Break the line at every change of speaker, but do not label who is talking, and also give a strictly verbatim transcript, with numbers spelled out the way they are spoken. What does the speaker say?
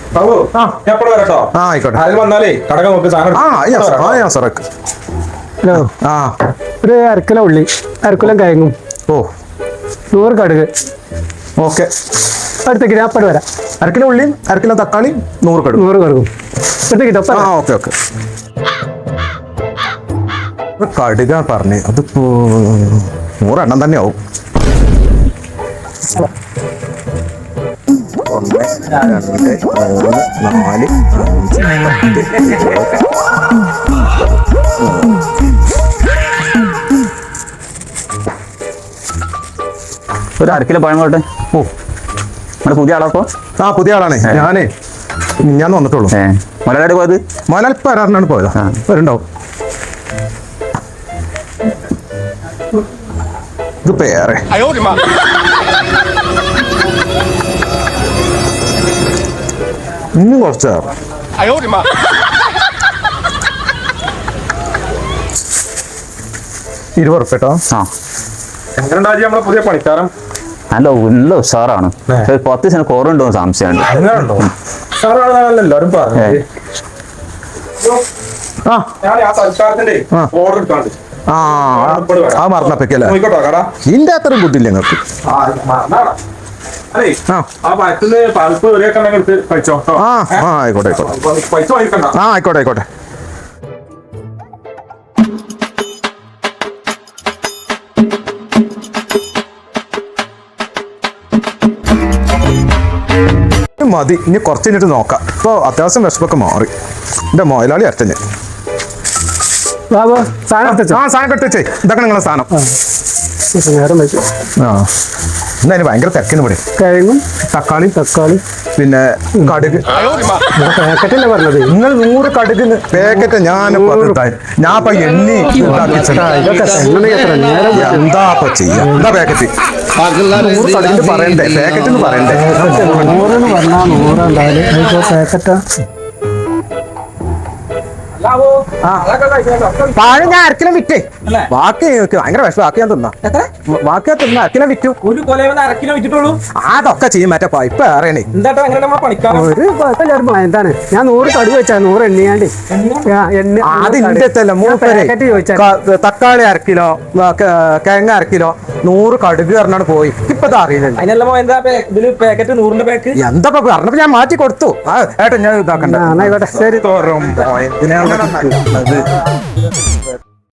ആ ആയിക്കോട്ടെ.
ഹലോ, ആ ഒരു അരക്കിലോ ഉള്ളി, അരക്കിലോ കിഴങ്ങും.
ഓ,
നൂറ് കടുക്.
ഓക്കെ.
അടുത്തേക്ക് ഞാൻ അപ്പട് വരാം.
അരക്കിലോ ഉള്ളിയും അരക്കിലോ തക്കാളി, നൂറ് കടുക്.
നൂറ് കടുകും അടുത്തേക്ക്.
ആ ഓക്കെ ഓക്കെ. കടുക പറഞ്ഞ് അതിപ്പോ നൂറെണ്ണം തന്നെ ആവും. ഒന്ന് രണ്ട് മൂന്ന് നാല് അഞ്ച്
ഒരു അര കിലോ പഴം കോട്ടെ.
ഓ,
നമ്മുടെ പുതിയ ആളപ്പോ?
ആ പുതിയ ആളാണ്. ഞാനേ ഞാൻ വന്നിട്ടുള്ളൂ.
മലയാളി പോയത്?
മലയാളി വരാറിനാണ് പോയത്. വരുണ്ടാവും. ഇത് പേരെ ഇന്നും കുറച്ച് ഇരുപത് ഉറുപ്പ്യ കേട്ടോ.
ആ,
എങ്ങനെയുണ്ടായി നമ്മളെ പുതിയ പണിക്കാരൻ?
നല്ല നല്ല ഉഷാറാണ്. പത്ത് ദിവസം കുറവുണ്ടോ സംശയമുണ്ട്.
എല്ലാവരും പറഞ്ഞു. ആ ആ മറന്നപ്പല്ലേ ഇതിന്റെ അത്രയും ബുദ്ധിയില്ല നിങ്ങൾക്ക്. ആ ആ ആയിക്കോട്ടെ ആയിക്കോട്ടെ. ആ ആയിക്കോട്ടെ ആയിക്കോട്ടെ. മതി, ഇനി കുറച്ച് കഴിഞ്ഞിട്ട് നോക്കാം. ഇപ്പോൾ അത്യാവശ്യം വിശപ്പൊക്കെ മാറി. എൻ്റെ മുതലാളി അരട്ടഞ്ഞ് ആ സാധനം കെട്ടിച്ചേ. ഇതൊക്കെ നിങ്ങളെ സാധനം. ആ എന്നാ അതിന് ഭയങ്കര തിരക്കിന് ഇവിടെ.
കിഴങ്ങും
തക്കാളി
തക്കാളി
പിന്നെ കടുക്.
പാക്കറ്റല്ലേ പറഞ്ഞത്?
നിങ്ങൾ നൂറ് കടുകിന് പാക്കറ്റ് ഞാൻ ഞാൻ ഇപ്പൊ എണ്ണി എന്താ ഇപ്പൊ ചെയ്യാ? എന്താ പാക്കറ്റ് നൂറ് കടുകിന് പറയണ്ടേ? പാക്കറ്റിന് പറയണ്ടേ?
നൂറെന്ന് പറഞ്ഞാൽ നൂറുണ്ടായാലും പാക്കറ്റാ.
താഴെ ഞാൻ അരക്കിലം വിറ്റേ. ബാക്കി ഭയങ്കര വിഷം. ബാക്കി ഞാൻ തിന്നാ ബാക്കി ഞാൻ തിന്നാ അരക്കിലം വിറ്റു.
ഒരു കൊലയെന്ന് അരക്കിലോ വിറ്റിട്ടുള്ളൂ.
അതൊക്കെ ചെയ്യും. മറ്റേ ഇപ്പൊ അറിയണേ
എന്താട്ടോ എങ്ങനെ നമ്മൾ പണിക്കാറ്?
ഒരു കുഴപ്പമില്ല. എന്താണ് ഞാൻ നൂറ് കടുക് വെച്ചാ നൂറ് എണ്ണിയാണ്ട്
അതിന്റെ മൂപ്പരെ തക്കാളി അരക്കിലോ കിഴങ്ങ് അരക്കിലോ നൂറ് കടുക് പറഞ്ഞാണ് പോയി. ഇപ്പൊ അറിയുന്നുണ്ട്
അതിനെല്ലാം എന്താ ഇതില് പാക്കറ്റ് നൂറിന്റെ പാക്ക്
എന്താ പറഞ്ഞപ്പോ ഞാൻ മാറ്റി കൊടുത്തു. ഏട്ടാ ഞാൻ ഇതാക്കണ്ട.
ആയിക്കോട്ടെ ശരി.
ഇതിനാണ്